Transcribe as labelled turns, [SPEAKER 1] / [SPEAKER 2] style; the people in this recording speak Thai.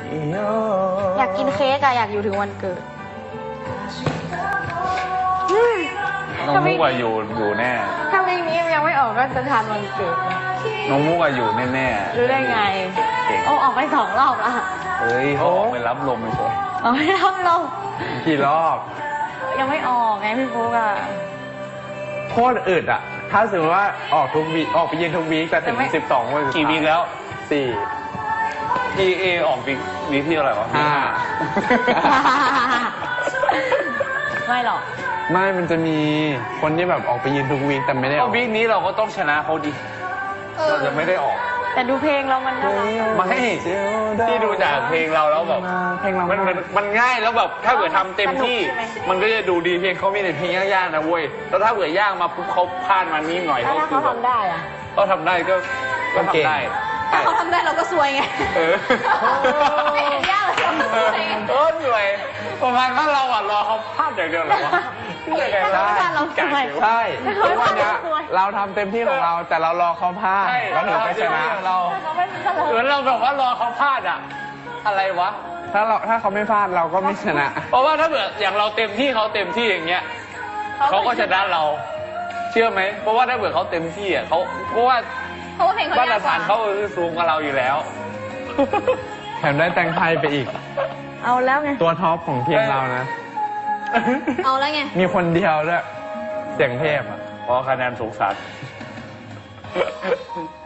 [SPEAKER 1] อยากกินเค้กอะอยากอยู่ถึงวันเกิด
[SPEAKER 2] น้องมุกอะอยู่แน่
[SPEAKER 1] ถ้าเพลงนี้ยังไม่ออกก็จะทานวันเกิด
[SPEAKER 2] น้องมุกอะอยู่แน่ๆ
[SPEAKER 1] รู้ได้ไงโอ้ออกไป2 รอบละ
[SPEAKER 2] เฮ้ยเขาออกไปรับลมเฉย
[SPEAKER 1] ออกไปรับลม
[SPEAKER 3] กี่รอบ
[SPEAKER 1] ยังไม่ออกไงพี่ฟุกอะ
[SPEAKER 3] โคตรอึดอ่ะ ถ้าสมมติว่าออกทุกวีออกไปยืนทุกวีแต่ถึง12 วัน
[SPEAKER 2] กี่วีคแล้ว
[SPEAKER 3] 4
[SPEAKER 2] EA ออกวีคที่อะไรวะ
[SPEAKER 1] ไม่หรอก
[SPEAKER 3] ไม่มันจะมีคนที่แบบออกไปยืนทุกวีคแต่ไม่ได้อ
[SPEAKER 2] ก็
[SPEAKER 3] อก
[SPEAKER 2] วีคนี้เราก็ต้องชนะเขาดิเราจะไม่ได้ออก
[SPEAKER 1] แต่ดูเพลงเรามันน่ารัก
[SPEAKER 2] ไม่ที่ดูจากเพลงเราแล้วแบบ
[SPEAKER 3] เพลงเรา
[SPEAKER 2] มันง่ายแล้วแบบถ้าเกิดทำเต็มที่ มันก็จะดูดีเพลงเขามีแต่เพลงยากๆนะเว้ยแล้วถ้าเกิดยากมาปุ๊บเขาพลาดมานิดหน่อย
[SPEAKER 1] แล้วถ้า
[SPEAKER 2] คื
[SPEAKER 1] เขา
[SPEAKER 2] แบบ
[SPEAKER 1] ทำได้อะ
[SPEAKER 2] ก็ทำได้ก็ทำได้
[SPEAKER 1] ถ้าเขาทำได้เราก็ซวยไง
[SPEAKER 2] เออ
[SPEAKER 1] ไม่เห็นยากเลยเราก็ซวยไง
[SPEAKER 2] เหนื่อยประมาณว่าเราอ่ะรอเขาพลาดอย่างเดียวเหรอวะ
[SPEAKER 1] ถ้าเขาไม่พลาดเราซวย
[SPEAKER 3] ใช่ทุกวันเนี้ยเราทำเต็มที่ของเราแต่เรารอเขาพลาด
[SPEAKER 2] ใช่
[SPEAKER 3] แล้วถึงจะชนะ
[SPEAKER 2] เรา
[SPEAKER 1] ถ้าเขาไม่พลาด
[SPEAKER 2] เหมือนเราแบบว่ารอเขาพลาดอะอะไรวะ
[SPEAKER 3] ถ้าเขาไม่พลาดเราก็ไม่ชนะ
[SPEAKER 2] เพราะว่าถ้าเกิดอย่างเราเต็มที่เขาเต็มที่อย่างเงี้ยเขาก็ชนะเรา เชื่อไหมเพราะว่าถ้าเกิดเขาเต็มที่อ่ะเพราะว่า
[SPEAKER 1] เพราะว่าเพลงเขา
[SPEAKER 2] มาตร
[SPEAKER 1] ยากก
[SPEAKER 2] ฐา
[SPEAKER 1] ว่าน
[SPEAKER 2] เขาคือสูงกว่าเราอยู่แล้ว
[SPEAKER 3] แถมได้แตงไทยไปอีก
[SPEAKER 1] เอาแล้วไง
[SPEAKER 3] ตัวท็อปของทีมเรานะ
[SPEAKER 1] เอาแล้วไง
[SPEAKER 3] มีคนเดียวด้วยเสียงเทพอ่ะ
[SPEAKER 2] เพราะคะแนนสูงสัด